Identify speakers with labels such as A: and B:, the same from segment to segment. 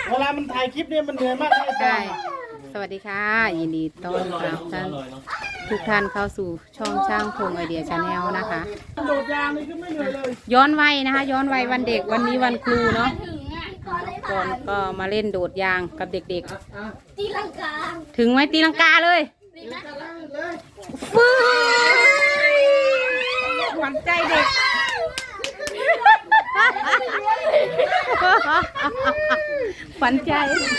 A: เวลามันถ่ายคลิปเนี่ยมันเหนื่อยมากเลย
B: ใช่ สวัสดีค่ะ ยินดีต้อนรับท่านทุกท่านเข้าสู่ช่องช่างพงไอเดียชาแนลนะคะ
A: โดดยางนี่คือไม่เหนื่อยเลย
B: ย้อนวัยนะคะ ย้อนวัยวันเด็กวันนี้วันครูเนาะก่อนก็มาเล่นโดดยางกับเด็ก
C: ตีลังกา
B: ๆ ถึงไหมตีลังกาเลยฟื้หวานใจเด็ก ขวัญใจ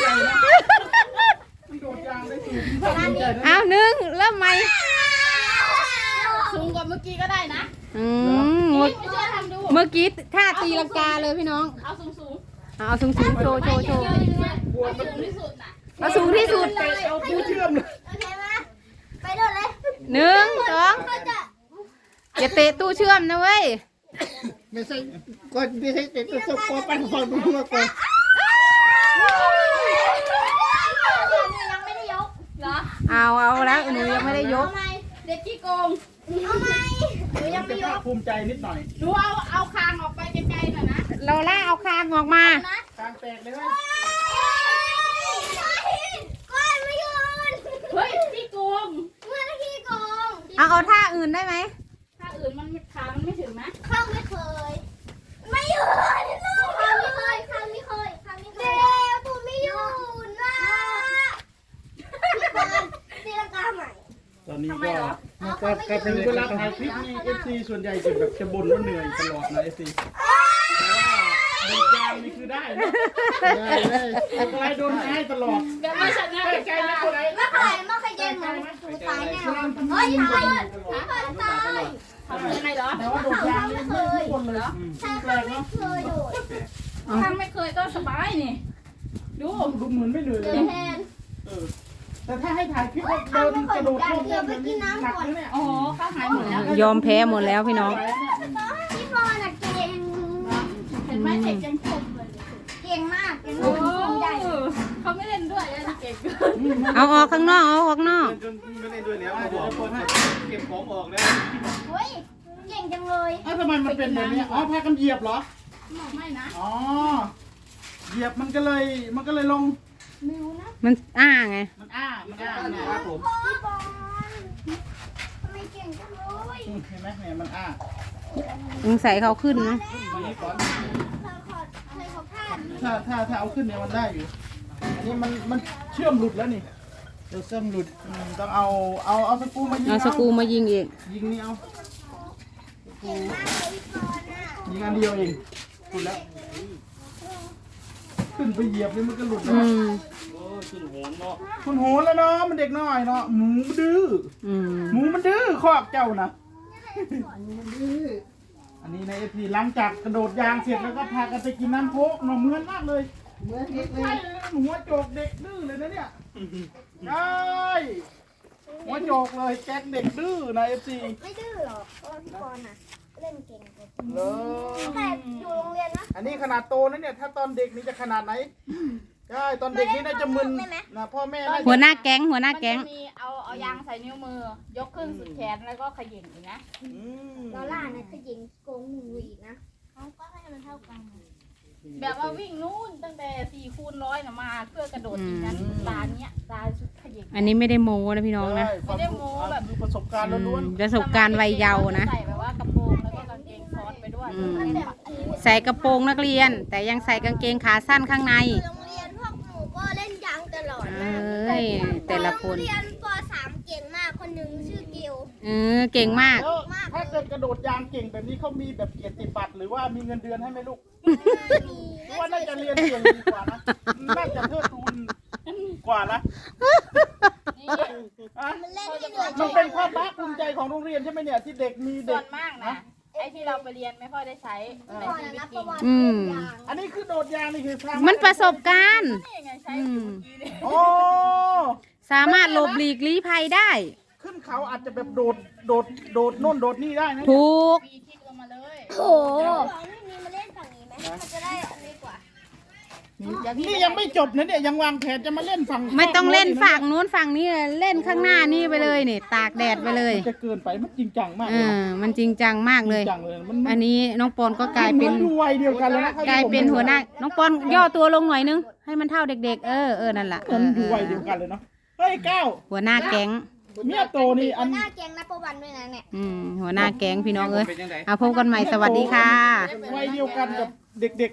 A: โดดยางได้สูง
B: เอาหนึ่งเริ่มไหม
C: สูงกว่าเมื่อกี้ก็ได้นะ
B: เมื่อ
C: ไม่เชื่อทำดู
B: เมื่อกี้ท่าตีลังกาเลยพี่น้อง
C: เอาสูงสูง
B: เอาสูงสูงโชว์โชว์โชว์
C: เอาสูงที่สุดน่ะ
B: เอาสูงที่สุด
A: เอาผู้เชื่อมเลย
C: โอเคไหมไปโดดเลย
B: หนึ่งสอง
C: ก็จะ
B: อย่าเตะตู้เชื่อมนะเว้ย
A: ไม่ใช่ก็ไม่ใช่เด็กตัวสกปรกปั่นฟังดูมากกว่า
C: ยังไม่ได้ยกเหรอ
B: เอาแล้วหนูยังไม่ได้ยก
C: เอาไหมเด็กขี้โกงเอาไหมหนูยังไม่ยก
A: ภูมิใจนิดหน่อย
C: หนูเอาคางออกไปไกลๆหน่อยนะ
B: เราล่าเอาคางออกมา
C: นะ
A: กลางแตกเลยไหม
C: ก้อนไม่ยืนเฮ้ยขี้โกงเมื่อขี้โกง
B: เอาท่าอื่นได้ไหม
C: ถ้าอื่นมันขามันไม่ถึงนะข้างไม่เคย ไม่ยืนข้างไม่เคยข้างไม่เคยข้างไม่เคยเดี๋ยวตัวไม่ยืนนะพี่บอลตีลังกาใหม่
A: ตอนนี้ก็มันก็กลายเป็นเวลาถ่ายคลิปนี่ FC ส่วนใหญ่จะแบบจะบ่นว่าเหนื่อยตลอดนะ FC แต่ว่าโดดยางนี่คือได้นะได้เลยอะไรโดนง่ายตลอด
C: เดี๋ยวมาชนะ
A: ใกล้ๆไม่คนไหน
C: ไม่เคยไม่เคยเย็นเหมือนหนูตายแน่เฮ้ยตายตายทำยังไงเหรอ
A: แต่ว่าโดดยางนี่ไม่ทุกคนเลยแปลกเนาะ
C: เคยโดดถ้าไม่เคยก็สบายนี่ดู
A: ดูเหมือนไม่เหนื่อยเล
C: เดิ
A: ย
C: นแทน
A: แต่ถ้าให้ถ่ายคลิปว่าเดินกระโดดโลดเต้นแบบนี้หนักเลยเนี่ย
C: อ๋อข้าวหายหมดแล้ว
B: ยอมแพ้หมดแล้วพี่น้อง
C: พี่บอลน่ะเก่งเห็นไหมเด็กยังชมเลยเก่งมากเก่งมากใหญ่เขาไม่เล่นด้วยเลยเก่ง
B: เอาออกข้างนอกเอาออกข้างนอก
A: จนไม่ได้ด้วยแล้วบอกคนให้เก็บของออกแล้ว
C: เฮ้ยเก่งจังเลย
A: เอ้าทำไมมันเป็นแบบนี้อ๋อพากันเหยียบเหรอ
C: ไม่นะ
A: อ๋อเหยียบมันก็เลยลง
C: มิวนะ
B: มันไง
A: มันนะครับผม
C: พี่บอลทำไมเก่งจังเลย
A: เห็นไหมเนี่ยมันอ้า
B: มึงใส่เขาขึ้นนะ
A: มานี้ก่อน
C: เราขอเคยเขาพลาด
A: ถ้าเอาขึ้นเนี่ยมันได้อยู่อันนี้มันเชื่อมหลุดแล้วนี่เดี๋ยวเชื่อมหลุดต้องเอาสกรูมายิง
B: เอาสกรูมายิงอีก
A: ยิงนี่เอา
C: เก่งมากเลยพี่บอลน่ะ
A: ยิงอันเดียวเองหลุดแล้วขึ้นไปเหยียบนี่มันก็หลุดแล้
B: อื
A: ว
B: ม
A: คุณโหนแล้วเนาะมันเด็กน้อยเนาะหมูมันดื้อ
B: อืม
A: หมูมันดื้อคอกเจ้านะอันนี้ในเอพีหลังจากกระโดดยางเสร็จแล้วก็พากันไปกินน้ำโค้กเนาะเหมือนมากเลยเหมือนเด็กเลยหัวโจกเด็กดื้อเลยนะเนี่ยใช่หัวโจกเลยแก๊งเด็กดื้อนะเอฟซี
C: ไม่ดื้อหรอกเพราะว่าพี่บอลน่ะเล่นเก่งกว่า
A: เลย
C: แต่อยู่โรงเรียนนะ
A: อันนี้ขนาดโตนะเนี่ยถ้าตอนเด็กนี่จะขนาดไหนใช่ตอนเด็กนี่น่าจะมึนนะพ่อแม่น่าจะ
B: หัวหน้าแก๊งหัวหน้า
D: มัน
B: แก๊ง
D: จะมีเอายางใส่นิ้วมือ ยกขึ้นสุดแขนแล้วก็เขย่งอีกนะ
A: อืม
C: ลอล่าเนี่ยคือยิงโกงหนูอีกนะเขาก็ให้มันเท่ากัน
D: แบบว่าวิ่งนู่นตั้งแต่4x100นะมาเพื่อกระโดดอีกนั้นตาเนี้ยตาสุดเขย่ง
B: อันนี้ไม่ได้โม้นะพี่น้องนะ
A: ใช่ความรู้คือประสบการณ์ล้วน
B: ประสบการณ์วัยเยาว์นะ
D: ใส่แบบว่ากระโปรงแล้วก็กางเกงซ้อนไปด้วย
B: อืม ใส่กระโปรงนักเรียน แต่ยังใส่กางเกงขาสั้นข้างใน
C: โรงเรียนพวกหนูก็เล่นยางตลอด
B: เอ
C: นะ
B: ้ยแต่ละคน
C: โรงเรียนป .3 เก่งมากคนหนึ่งชื่อกิว
B: เก่งมาก
A: แล้วถ้าเกิดกระโดดยางเก่งแบบนี้เขามีแบบเกียรติบัตรหรือว่ามีเงินเดือนให้ไหมลูกหรือว่าน่าจะเรียนเก่งดีกว่านะน่าจะเทิดทูนกว่านะ
D: นี่
A: อ่ะ
C: มันเล่นไม่เหนื่อย
A: มันเป็นความภาคภูมิใจของโรงเรียนใช่ไหมเนี่ยที่เด็กมี
D: ส่
A: เด็
D: ว
A: ก
D: นมากนะไอ้ที่เราไปเรียนไม่ค่อยได้ใช้ใน
C: ก่อน
D: ชีวิต
C: นะ
D: จ
C: ป
D: ริ
C: ระ
D: ง
C: วัติ
B: อืม
C: เล่นยาง
A: อันนี้คือโดดยางนี่คือสร้าง
B: มันประสบการณ์
D: นี่ไงใช้อยู่เมื่อกี้เนี่ย
A: โอ้
B: สามารถหลบหลีกลี้ภัยได้
A: ขึ้นเขาอาจจะแบบโดดโน่นโดดนี่ได้นะ
B: ถูก
D: ปีคิกลงมาเลย
C: โอ้โหนี่มาเล่นฝั่งนี้ไหมมันจะได้อันนี้กว่า
A: นี่ยังไม่จบนะเนี่ยยังวางแผนจะมาเล่นฝั่ง
B: ไม่ต้องเล่นฝั่งนู้นฝั่งนี้เล่นข้างหน้านี่ไปเลยนี่ตากแดดไปเลย
A: มันจะเกินไปมันจริงจังมาก
B: เออมันจริงจังมากเลย
A: จริงจังเลยมัน
B: อันนี้น้องปอนก็กลายเป็น
A: ดูวัยเดียวกันแล้วนะ
B: กลายเป็นหัวหน้าน้องปอนย่อตัวลงหน่อยนึงให้มันเท่าเด็กๆนั่นแหละ
A: มันดูวัยเดียวกันเลยเนาะเฮ้ยก้าว
B: หัวหน้าแก๊ง
A: เมียโตนี่อัน
C: หน้าแกงนับประวันด้วยนะเนี่ย
B: หัวหน้าแก๊งพี่น้องเอ้ยเอาพบกันใหม่สวัสดีค่ะ
A: วัยเดียวกันกับเด็กๆ